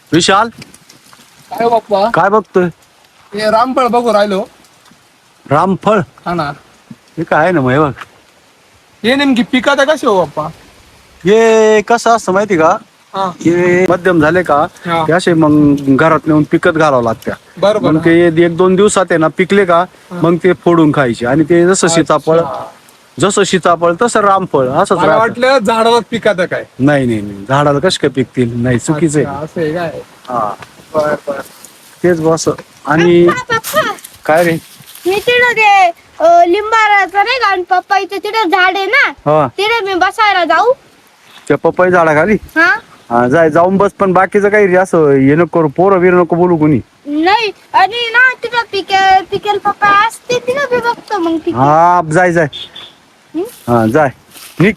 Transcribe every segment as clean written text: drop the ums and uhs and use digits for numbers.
विशाल काय बाप्पा काय बघतोय? हे रामफळ बघू राहिलो. रामफळ हा ना, हे काय आहे ना मग हे बघ. हे नेमकी पिकात कसे हो बाप्पा? हे कसं असतं माहिती का? हा हे मध्यम झाले का हा. ते असे मग घरात नेऊन पिकत घालावं लागत्या. बरोबर मग ते 1-2 दिवसात आहे ना पिकले का मग ते फोडून खायचे. आणि ते जसं सीताफळ तसं रामफळ असंच मला राहतं. वाटलं झाडाला पिकात काय. नाही नाही नाही, झाडाला कश काय पिकतील? नाही, चुकीचं अच्छा, आहे. असं आहे काय? हा बर बर. तेच बस. आणि पप्पा काय रे? मी तिथं ते लिंबाचं नाही का, आणि पप्पाईचं तिथं झाड आहे ना, हा, तिथे मी बसायला जाऊ? त्या पपई झाडाखाली हा हा जाऊन बस. पण बाकीचं काही असं हे नको करू, पोरं बिर नको बोलू कोणी. नाही. आणि ना तिथं पिकेल पप्पा असते तिथं मी बघतो मग तिथे. हा जाय हा जाय निघ.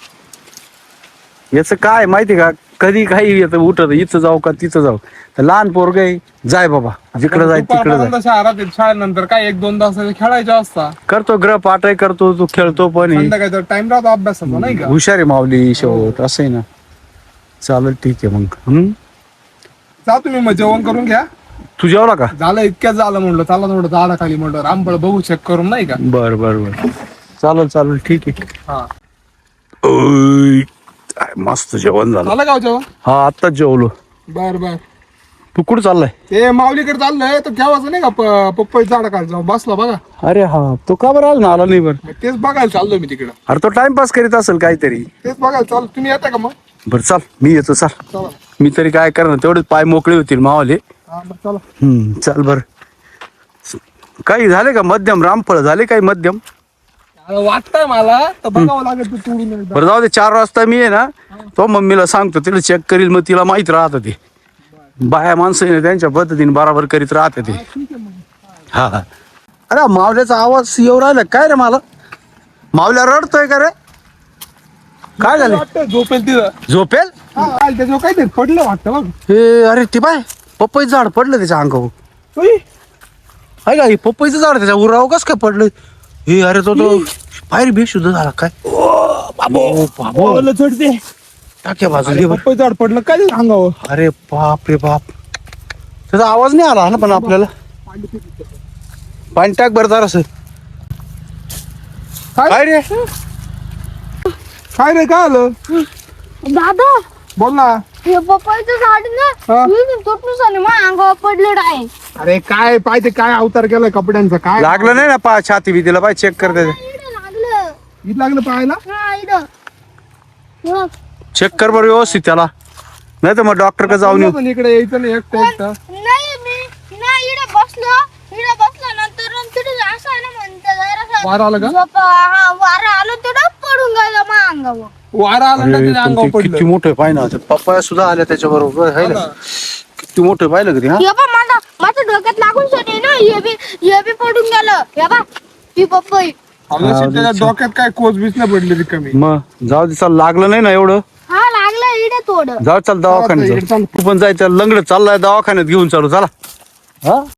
याच काय माहिती का, कधी काही येतं उठत, इथं जाऊ का तिथं जाऊ. तर लहान पोरग आहे, जाय बाबा जिकडे जाय तिकडे जाय. दुपारपर्यंत शहरात शाळेनंतर काय 1-2 तास खेळायचे असता. करतो ग्रहपाठही करतो, तू खेळतो पण आहे. संध्याकाळचा टाइम राहतो अभ्यासाचा नाही का? हुशार आहे माऊली शेवट, असं आहे ना. चालेल ठीक आहे मग. जा तुम्ही मग जेवण करून घ्या. तू जेवला का? झालं इतक्याच झालं म्हणलं, चला थोडं झाडाखाली म्हणलं रामफळ बघू चेक करून नाही का? बर बर बर, चालेल ठीक आहे. हा, ओय, काय मस्त जेवण झालं. झालं गाव जेवण? हा आत्ताच जेवलो. बर बर. तू कुठं चाललाय? ते माऊलीकडे चाललंय तर केव्हाच नाही का पप्पई झाडाखाली जाऊ बसला बघा. अरे हा, तो का बरं अजून आला नाही? बरं, मग तेच बघायला चाललो मी तिकडं. अरे तो टाइमपास करीत असेल काहीतरी. तेच बघायला चाललो, तुम्ही येता का मग? बरं चाल, मी येतो. चाल, चला. मी तरी काय करणार, तेवढेच पाय मोकळे होतील मावाले. हा मग चला. चल बर. काही झाले का मध्यम? रामफळ झाले काही मध्यम? आता वाटतंय मला तर बघावं लागेल, तू तोडून एकदा. बरं जाऊ दे, 4 वाजता मी आहे ना, तो मम्मीला सांगतो, तिला चेक करील. मग तिला माहित राहतं ते बाया माणसं आहे ना, त्यांच्या पद्धतीने बराबर करीत राहते ते. ठीक आहे मग. हा हा. अरे मावल्याचा आवाज येऊ राहिला काय रे? मला मावल्या रडतोय का रे? काय झालं? वाटतं झोपेल तिथं. झोपेल? हा, त्याच्यावर काहीतरी पडलं वाटतं बघ. हे अरे ते बाय पपईचं झाड पडलं त्याच्या अंगावर. उई, आहे का? हे पपईचं झाड त्याच्या उराव कस काय पडलं? हे अरे तो बाहेर बेशुद्ध झाला काय? बाबो ओलं चढते. टाक्या बाजूला बरं. पप्पई झाड पडलं काय ते अंगावर. अरे बाप रे बाप, त्याचा आवाज नाही आला ना पण आपल्याला. पाणी टाक बरं जरासं. काय रे? काय रे, काय आलं? दादा, बोल ना. हे पप्पाईचं झाड ना, हा? तुटून आणि माझ्या अंगावर पडलेलं आहे. अरे काय पाहिजे, काय अवतार केलाय कपड्यांचा काय लागलं नाही ना पा छाती भीतीला? पाय चेक कर त्याचं. इथं लागलं. इथं लागलं पाहायला. हा इथं. बघ. चेक कर बरं व्यवस्थित त्याला, नाही तर मग डॉक्टर का जाऊन येऊ. पण इकडे यायचं नाही एकटं एकटं. नाही मी नाही इथं बसलो नंतर तिथं असं आहे ना, म्हणते जरासं वारा आलं का? हा वारा आलो तिथं पडून गेलं माझ्या अंगावर. वारा आला ना अरे, त्याच्या पण अंगावर ते किती पडलं. मोठं पाय ना, पप्पा सुद्धा आल्या त्याच्या बरोबर. किती मोठं पाहिलं कधी? हा हे बा माझ्या डोक्यात लागून सनी ना, हे बी पडून गेलं. हे बा ती पप्पई. आमच्या त्याच्या डोक्यात काय कोच बीच नाही पडली रिकामी. मग जाऊ दे, चाल. लागलं नाही ना एवढं? हा लागलं इकडे थोडं. जाऊ, चाल दवाखान्यात इकडे जाऊ. चाल. तू पण जायचं, लंगडत चाललाय दवाखान्यात घेऊन चालू. चला. हा